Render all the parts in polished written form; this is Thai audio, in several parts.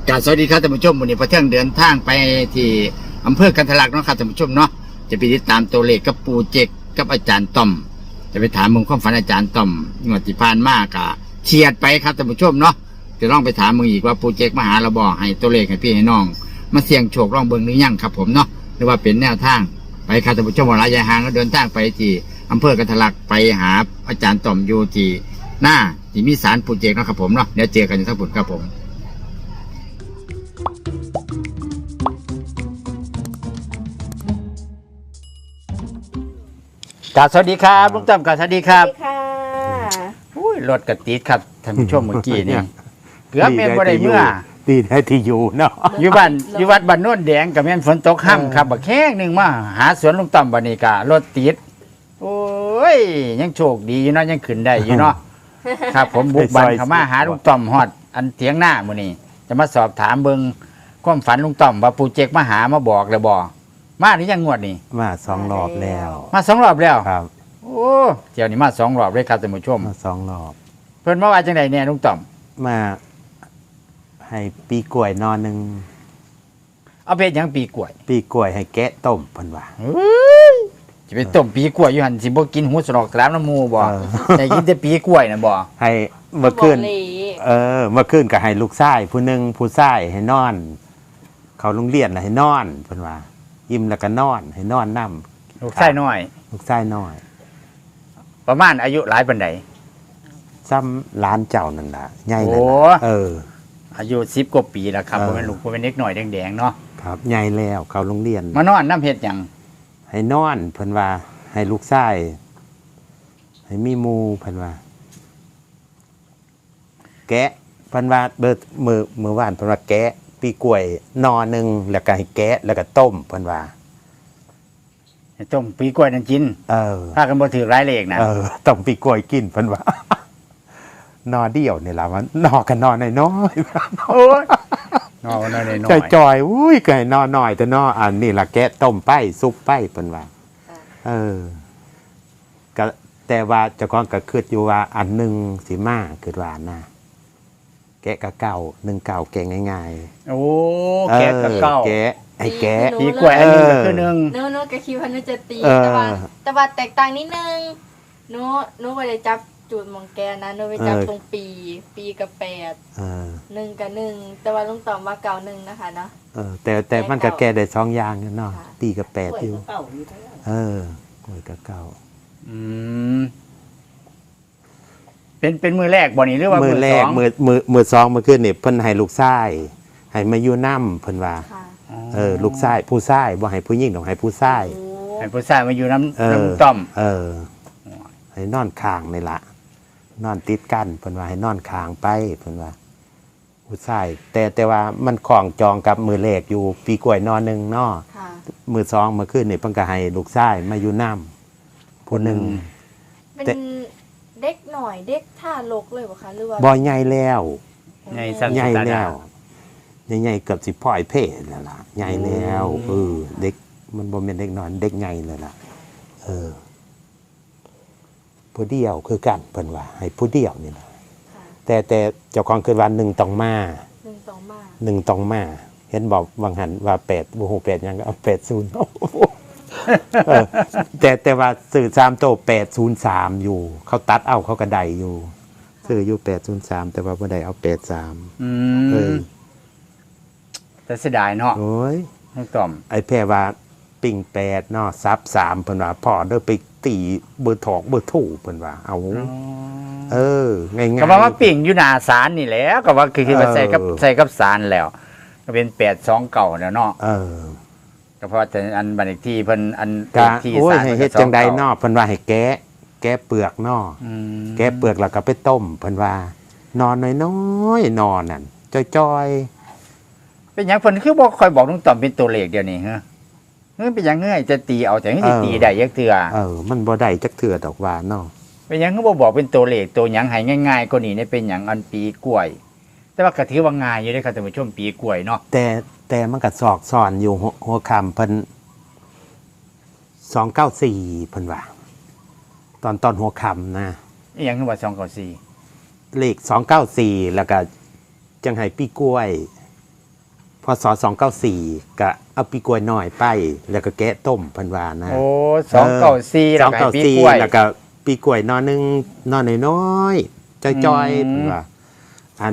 กราบสวัสดีครับท่านผู้ชมวันนี้พระเที่ยงเดินทางไปที่อำเภอกันทะลักเนาะครับท่านผู้ชมเนาะจะไปติดตามตัวเลขกับปูเจกกับอาจารย์ต้อมจะไปถามมึงความฝันอาจารย์ต้อมงวดที่ผ่านมากะเฉียดไปครับท่านผู้ชมเนาะจะลองไปถามมึงอีกว่าปูเจกมาหาเราบอกให้ตัวเลขให้พี่ให้น้องมาเสี่ยงโชคลองเบิ่งหรือยังครับผมเนาะหรือว่าเป็นแนวทางไปครับท่านผู้ชมว่าระยะห่างก็เดินทางไปที่อำเภอกันทะลักไปหาอาจารย์ต้อมอยู่ที่หน้าที่มีศาลปูเจกเนาะครับผมเนาะเดี๋ยวเจอกันอยู่ทั้งหมดครับผมกราบสวัสดีครับลุงต้อมกราบสวัสดีครับสวัสดีค่ะอุ้ยรถกระติดครับท่านผู้ชมเมื่อกี้นี่เกือบแม่นบ่ได้เมื่อดีได้ที่อยู่เนาะอยู่บ้านอยู่วัดบ้านโน่นแดงกับแม่นฝนตกค่ำครับบักแข้งหนึงมาหาสวนลุงต้อมบัดนี้ก็รถติดโอ้ยยังโชคดีอยู่เนาะยังขึ้นได้อยู่เนาะครับผมบุกบ้านเข้ามาหาลุงต้อมฮอดอันเถียงหน้ามื้อนี้จะมาสอบถามเบิ่งความฝันลุงต้อมว่าปู่เจกมาหามาบอกแล้วบ่มาหรือยังงวดนี้มา2 รอบแล้วมา2 รอบแล้วครับโอ้เที่ยวนี้มา2 รอบเลยครับท่านผู้ชมมา2 รอบเพิ่นมาว่าจังไดแน่ลุงต้อมมาให้ปีกล้วยนอนหนึ่งเอาไปเฮ็ดหยังปีกล้วยปีกล้วยให้แกะต้มเพิ่นว่าจะไปต้มปีกล้วยอยู่หั่นสิบ่กินหูสนอกสลามน้ำหมูบ่เออแต่กินแต่ปีกล้วยน่ะบ่ให้เมื่อคืนบอกเลยเมื่อคืนก็ให้ลูกชายผู้หนึงผู้ชายให้นอน เขาโรงเรียนน่ะให้นอนเพิ่นว่ายิ้มแล้วก็นอนให้นอนนำลูกชายน้อยลูกชายน้อยประมาณอายุหลายปานใดซ้ำหลานเจ้านั่นล่ะใหญ่นั่นโอ้ล่ะอายุ10กว่าปีแล้วครับเออบ่แม่นลูกบ่แม่นเด็กน้อยแดงๆเนาะครับใหญ่แล้วเขาโรงเรียนมานอนน้ำเฮ็ดหยังให้นอนเพิ่นว่าให้ลูกชายให้มีหมู่เพิ่นว่า แกะเพิ่นว่าเบิดมือว่านเพิ่นว่าแกะปีกล้วยนอหนึงแล้วก็ให้แกะแล้วก็ต้มเพิ่นว่าให้ต้มปีกล้วยนั่นกินเออพากันบ่ถือหลายเลขนะต้มปีกล้วยกินเพิ่นว่า นอเดียวนี่ล่ะมันนอกันนอน้อยโอ้ยนอนน้อยๆจอยๆอุ้ยก็ให้นอน้อยแต่นออันนี้ล่ะแกะต้มไปซุปไปเพิ่นว่า เออก็แต่ว่าเจ้าของก็คิดอยู่ว่าอันหนึงสิมาคิดว่านะแกะก็เก่า1เก่าแกะง่ายๆโอ้แกะกับเก้าแกะไอ้แกะปีกล้วยอันหนึงก็คือหนึงหนูก็คิดว่าหนูจะตีเออแต่ว่าแตกต่างนิดนึงหนูไปได้จับจูดหมองแกนะหนูไปจับตรงปีกับ8 เออ 1กับ1แต่ว่าลุงตอบว่าเก่า1นะคะเนาะแต่มันก็แกะได้2อย่างเนาะค่ะตีกับ8อยู่กล้วยกับเก่าอืมเป็นมือแรกบ่นี่หรือว่ามืมืออแรสกองมือสองเมื่อคืนนี่เพิ่นให้ลูกชายให้มาอยู่นำเพิ่นว่าค่ะลูกชายผู้ชายบ่ให้ผู้หญิงดอกให้ผู้ชายโอ้ให้ผู้ชายมาอยู่น้ำเออน้ำต้อมให้นอนข้างนี่ล่ะนอนติดกันเพิ่นว่าให้นอนข้างไปเพิ่นว่า ผู้ชายแต่ว่ามันของจองกับมือแรกอยู่ปีกล้วยนอนหนึงเนาะค่ะมือสองเมื่อคืนนี่เพิ่นก็ให้ลูกชายมาอยู่นำผู้หนึงเป็นแต่เด็กหน่อยเด็กท่ารกเลยบ่คะหรือว่าบ่ใหญ่แล้วในสันใหญ่ตาแล้ดาวใหญ่ๆเกือบสิพ่อยเพศแล้วล่ะใหญ่แล้วเด็กมันบ่แม่นเด็กน้อยเด็กใหญ่เลยล่ะผู้เดียวคือกันเพิ่นว่าให้ผู้เดียวนี่ล่ะค่ะแต่เจ้าของคือว่า1ต้องมา 1ต่อมา 1ต้องมาเห็นบอกวังหันว่า8บ่ฮู้8หยังก็เอา80แต่ว่าซื้อ3โต803อยู่ เขาตัดเอาเขาก็ได้อยู่ซื้ออยู่803แต่ว่าบ่ได้เอา83 อืเอมอแต่เสียดายเนาะโอ้ยน้องต้อมไอ้แพรว่าปิ่ง8เนาะซับ3เพิ่นว่าพ่อเด้อไปตีเบอร์ถอกเบอร์ถูกเพิ่นว่าเอาง่ายๆก็บอกว่าปิ่งอยู่หน้าศาลนี่แหล้วก็ว่าคือว่าใส่กับศาลแล้ว ก็เป็น829เก่าแล้วเนาะก็เพราะแต่อันบันเลขที่เพิ่นอันกะที่โอ้ยศาลให้พิ่นเฮ็ดจังใดเนาะเพิ่นว่าให้แกะเปลือกเนาะอืมแกะเปลือกแล้วก็ไปต้มเพิ่นว่านอนน้อยๆนอนนั่นจ้อยเป็นหยังเพิ่นคือบ่ค่อยบอกน้องต้อมเป็นตัวเลขเดี๋ยวนี้ฮะเป็นหยังเงยจะตีเอาแต่สิตีได้ยักเทื่อมันบ่ได้จักเทื่อดอกว่าเนาะเป็นหยังคือบ่บอกเป็นตัวเลขตัวหยังให้ง่ายๆกว่านี้เนี่ยเป็นหยังอันปีกล้วย แต่ว่าก็ถือว่าง่ายอยู่เด้อครับท่านผู้ชมปีกล้วยเนาะแต่มันก็ซอกซ่อนอยู่หัวค่ำเพิ่น294เพิ่นว่าตอนหัวค่ำนะอีหยังคือว่า294 เลข294แล้วก็จังให้ปีกล้วยพศ294ก็เอาปีกล้วยน้อยไป แล้วก็แกะต้มเพิ่นว่านะโอ้294แล้วก็ให้ปีกล้วยแล้วก็ปีกล้วยนอนึงนอน้อยๆจ้อยๆเพิ่นว่าอัน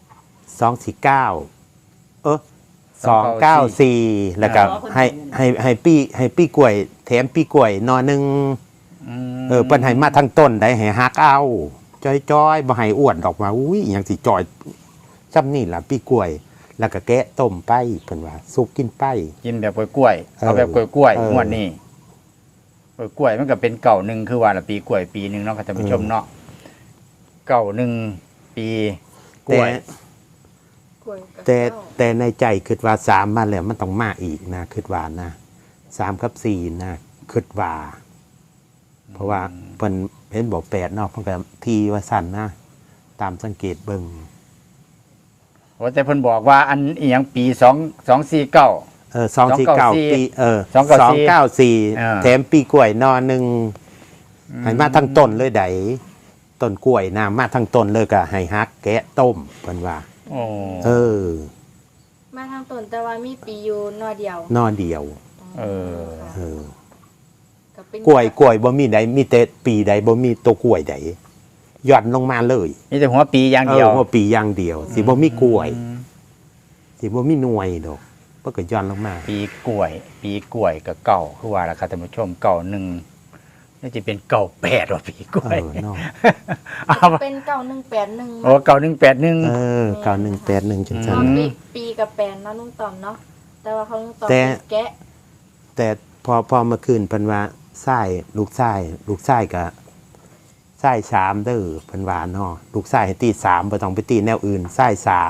249294แล้วก็ให้ปีกล้วยแถมปีกล้วยนอนึงเพิ่นให้มาทั้งต้นได้ให้ฮักเอาจ้อยๆบ่ให้อ้วนออกมาอุ้ยอิหยังสิจ้อยซ้ำนี่ล่ะปีกล้วยแล้วก็แกะต้มไปเพิ่นว่าสุกกินไปกินแบบกล้วยๆเอาแบบกล้วยๆงวดนี้กล้วยมันก็เป็นเก่าหนึ่งคือว่าละปีกล้วยปีหนึ่งเนาะค่ะท่านผู้ชมเนาะเก่าหนึ่งปีกล้วยกล้วยกับแต่เจ้าแต่ในใจคิดว่า3มาแล้วมันต้องมาอีกนะคิดว่านะ3กับ4นะคิดว่าเพราะว่าเพิ่นเห็นบอก8เนาะเพิ่นก็ทีว่าสั่นนะตามสังเกตเบิ่งโอ้แต่เพิ่นบอกว่าอันอีหยังปี249 249ปี294แถมปีกล้วยนอนึงให้มาทั้งต้นเลยไดต้นกล้วยนะมาทั้งต้นเลยก็ให้ฮักแกะต้มเพิ่นว่าโอ้มาทางต้นแต่ว่ามีปีอยู่นอเดียวนอเดียวเออเออก็เป็นกล้วยบ่มีใดมีแต่ปีใดบ่มีตัวกล้วยใดหย่อนลงมาเลยมีแต่หัวปีอย่างเดียวหัวปีอย่างเดียวสิบ่มีกล้วยสิบ่มีหน่วยดอกเพิ่นก็หย่อนลงมาปีกล้วยกับเก่าคือว่าละครับท่านผู้ชมเก่าหนึ่งน่าจะเป็นเก่า8ว่าปีกล้วยเนาะเอาเป็น9181 โอ้เก่า181 9181จังเพซั่นราะปีกับแปนเนาะลุงต่อมเนาะแต่ว่าเขาลุงต่อมแต่เป็นแกะแต่พอเมื่อคืนเพิ่นว่าลูกชายก็ชาย3เด้อเพิ่นว่าเนาะลูกชายให้ตี3บ่ต้องไปตีแนวอื่นชาย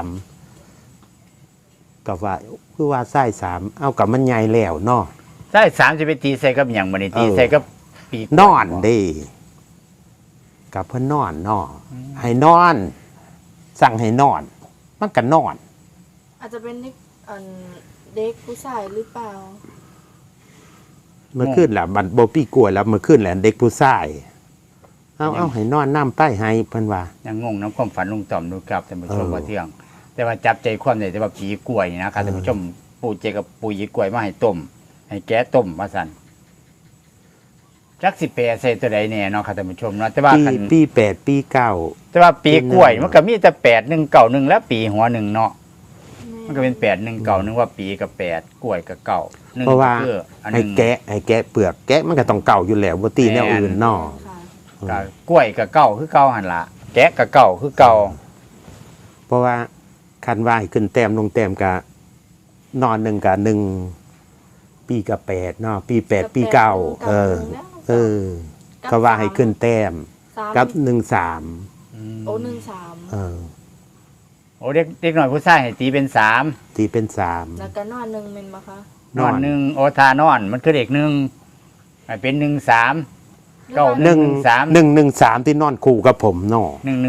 3ก็ว่าคือว่าชาย3เอากับมันใหญ่แล้วเนาะใช่3จะไปตีใส่กับหยังบ่นี่ตีใส่กับปีกล้วยนอนเด้กับเพิ่นนอนเนาะให้นอน สั่งให้นอน มันก็นอนอาจจะเป็นเด็กผู้ชายหรือเปล่าเมื่อคืนล่ะบัดบ่ปีกล้วยแล้วเมื่อคืนแหละเด็กผู้ชายเอาให้นอนน้ำใต้ให้เพิ่นว่ายังงงน้ำความฝันลุงต่อมดูครับท่านผู้ชมเออว่าเที่ยง แต่ว่าจับใจความได้แต่ว่าปีกล้วยนี่นะครับท่านผู้ชมปู่เจกับปู่ยีกล้วยมาให้ต้ม ให้แกะต้มว่าซั่นจักสิแปรใส่ตัวใดแน่เนาะครับท่านผู้ชมเนาะแต่ว่าคันปี8ปี9 แต่ว่าปีกล้วยมันก็มีแต่8191และปีหัวหนึ่งเนาะมันก็เป็น8191ว่าปีกับ8กล้วยกับเก่าหนึ่งเพราะว่าก็คืออันหให้นึงแกะเปลือกแกะมันก็ต้องเก่าอยู่แล้วบ่ตีแนวอื่นเนาะค่ะกับกล้วยกับเก่าคือเก่าหั่นล่ะแกะกับเก่าคือเก่าเพราะว่าคันว่าให้ขึ้นแต้มลงแต้มก็นอน1กับ1ปีกับ8เนาะปี8ปี9เขาว่าให้ขึ้นแต้มกับ13 โอ้13 โอ้เด็กหน่อยผู้ชายให้ตีเป็น3 ตีเป็นแล้วก็นอนหนึ่งเป็นปะคะนอนหนึ่งโอทานอนมันคือเด็กหนึ่งให้เป็น13 เก้า 3 113ที่นอนคู่กับผมเนาะ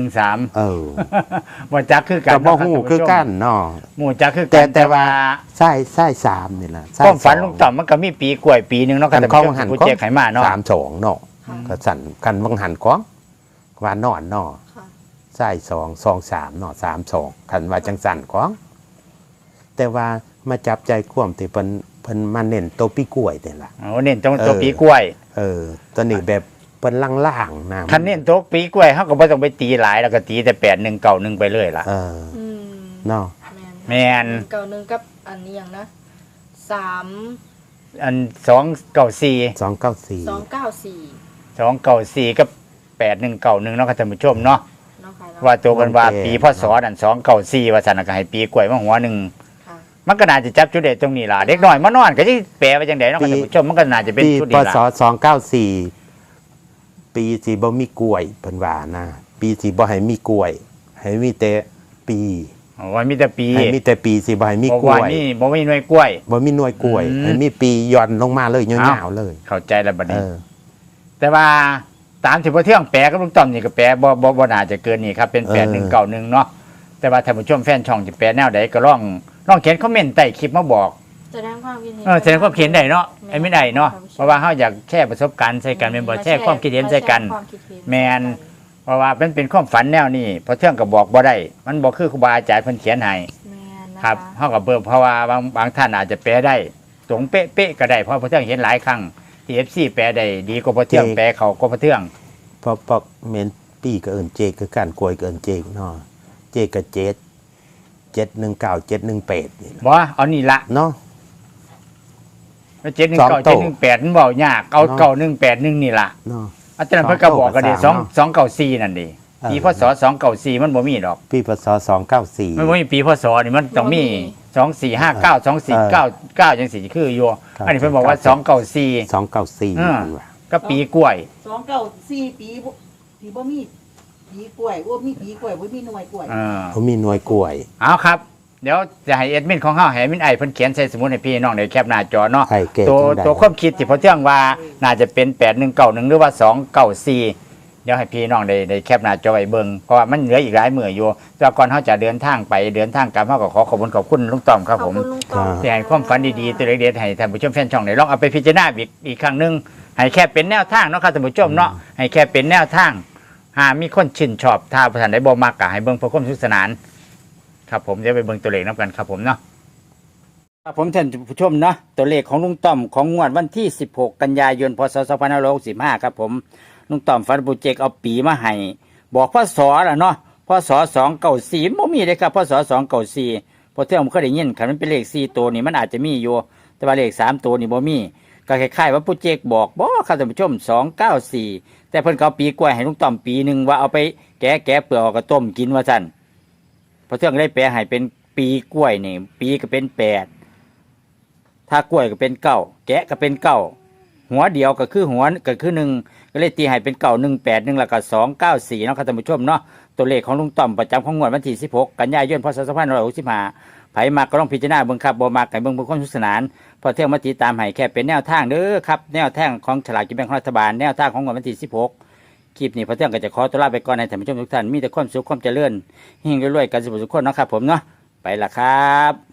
113บ่จักคือกันกับบ่ฮู้คือกันเนาะหมู่จักคือกันแต่ว่า ใช่3นี่ล่ะความฝันลุงต่อมมันก็มีปีกล้วยปีหนึงเนาะครับกันท่านเขาผู้ชมหันผู้ของเจ๊ไขมาเนาะ 32เนาะก็สั่นกันบังหันของว่านอนเนาะค่ะใช่2 3เนาะ32คันว่าจังสั่นของแต่ว่ามาจับใจความที่เพิ่นมาเน้นตัวปีกล้วยนี่ล่ะโอ้เน้นตรงตัวปีกล้วยตัวนี้แบบเปิ้นล่างๆนะคันเน้นตัวปีกล้วยเฮาก็บ่ต้องไปตีหลายแล้วก็ตีแต่8191ไปเลยล่ะอืมเนาะแม่น 191กับอันนี้อย่างนะ3 อัน294 294 294 294กับ8191เนาะครับท่านผู้ชมเนาะเนาะค่ะว่าตัวกันว่าปีพศนั่น294ว่าซั่นน่ะก็ให้ปีกล้วยมาหัวหนึงค่ะมันก็น่าจะจับจุดเด่นตรงนี้ล่ะเด็กน้อยมานอนก็สิแปลว่าจังไดเนาะครับท่านผู้ชมมันก็น่าจะเป็นปีจุดพนี้ล่ะศ294ปีสิบ่มีกล้วยเพิ่นว่านะปีสิบ่ให้มีกล้วย ให้มีแต่ปีโอ้ยมีแต่ปีให้มีแต่ปีสิบ่ให้มีบอกกล้ว่าวยนี่บ่มีหน่วยกล้วยบ่มีหน่วยกล้วย ให้มีปีย่อนลงมาเลยยาวๆเลยเข้าใจแล้วบัดนี้เออแต่ว่าตามที่พ่อเที่ยงแปลกับลุงต้อมนี่ก็แปลบ่น่าจะเกินนี่ครับเป็น8191เนาะแต่ว่าท่านผู้ชมแฟนช่องจะแปลแนวใดก็ลองเขียนคอมเมนต์ใต้คลิปมาบอกแสดงความคิดเห็นแสดงความเขียนได้เนาะไอ้ไม่ได้เนาะเพราะว่าเฮาอยากแชร์ประสบการณ์ใส่กันแม่นบ่แชร์ความคิดเห็นใส่กันความคิดเห็นแม่น เพราะว่าเป็นความฝันแนวนี้พอเที่ยงก็บอกบ่ได้มันบ่คือครูบาอาจารย์เพิ่นเขียนให้แม่นนะครับเฮากับเบิ่งเพราะว่าบางท่านอาจจะแปลได้ตรงเป๊ะๆก็ได้เพราะพระเทืองเห็นหลายครั้งที่ FC แปลได้ดีกว่าพระเทืองแปลเขาก็พระเทืองเพราะเมนปีก็เอิ้นเจกคือการกล้วยก็เอิ้นเจกเนาะเจกก็เจ็ด719 718นี่บ่เอานี่ละเนาะ 719 718มันบ่ยากเอาเนาะ 9181นี่ล่ะเนาะอาจารย์เพิ่นก็บอกกันดิสองเก้า 294นั่นดิเออปีพศ294มันบ่มีดอกปีพศ294 มันบ่มีปีพศนี่มันต้องมี2459 2499จังซี่คืออยู่ครับอันนี้เพิ่นบอกว่า294 294 อ่านี่ว่าก็ปีกล้วย 294ปีบ่มีปีกล้วยบ่มีปีกล้วยบ่มีหน่วยกล้วยเขามีหน่วยกล้วยเอาครับ เดี๋ยวจะให้เอดมินของเฮาให้เอดมินไอเพิ่นเขียนใส่สมุดให้พี่น้องได้แคปหน้าจอเนาะใครเก่งตัวจังใดตัวความคิดที่พอเที่ยงว่าน่าจะเป็น8191หรือว่า294เดี๋ยวให้พี่น้องได้แคปหน้าจอไว้เบิ่งเพราะว่ามันเหลืออีกหลายมื้ออยู่แต่ก่อนเฮาจะเดินทางไปเดินทางกลับเฮาก็ขอบคุณลุงต้อมครับขผอบมคุณลุงต้อมที่ให้ความฝันดีๆตัวเล็กๆให้ท่านผู้ชมแฟนช่องได้ลองเอาไปพิจารณาอีกครั้งหนึงให้แค่เป็นแนวทางเนาะครับท่านผู้ชมเนาะให้แค่เป็นแนวทางหากมีคนชื่นชอบถ้าประธานได้บ่มักก็ให้เบิ่งเพื่อความสนุกสนานครับผมเดี๋ยวไปเบิ่งตัวเลขนํกันครับผมเนาะครับผมท่านผู้ชมเนาะตัวเลขของลุงต้อมของงวดวันที่16กันยายนพศ2565ครับผมลุงต้อมฝันปูเจกเอาปีมาให้บอกพศล่ะเนาะพศ294บ่มีเลยครับพศ294พอเที่ยงผมเคยได้ยินคันมันเป็นเลข4ตัวนี่มันอาจจะมีอยู่แต่ว่าเลข3ตัวนี่บ่มีก็คล้ายๆว่าปูเจกบอกบ่ครับท่านผู้ชม294แต่เพิ่นก็เอาปีกล้วยให้ลุงต้อมปีหนึงว่าเอาไปแกะเปลือกออกก็ต้มกินว่าซั่นพอเที่ยงได้แปลให้เป็นปีกล้วยนี่ปีก็เป็น8ถ้ากล้วยก็เป็น9แกะก็เป็น9หัวเดียวก็คือหัวก็คือ1ก็เลยตีให้เป็น9181แล้วก็294เนาะครับท่านผู้ชมเนาะตัวเลขของลุงต้อมประจำของงวดวันที่16กันยายนพศ2565ไผมาก็ต้องพิจารณาเบิ่งครับบ่มักให้เบิ่งเพื่อความสนุกสนานพอเที่ยงมาติดตามให้แค่เป็นแนวทางเด้อครับแนวทางของฉลากกินแบ่งของรัฐบาลแนวทางของงวดวันที่16คลิปนี้พอเที่ยงก็จะขอตัวลาไปก่อนให้ท่านผู้ชมทุกท่านมีแต่ความสุขความเจริญเฮงรวยๆกันสุขสุขคนเนาะครับผมเนาะไปละครับ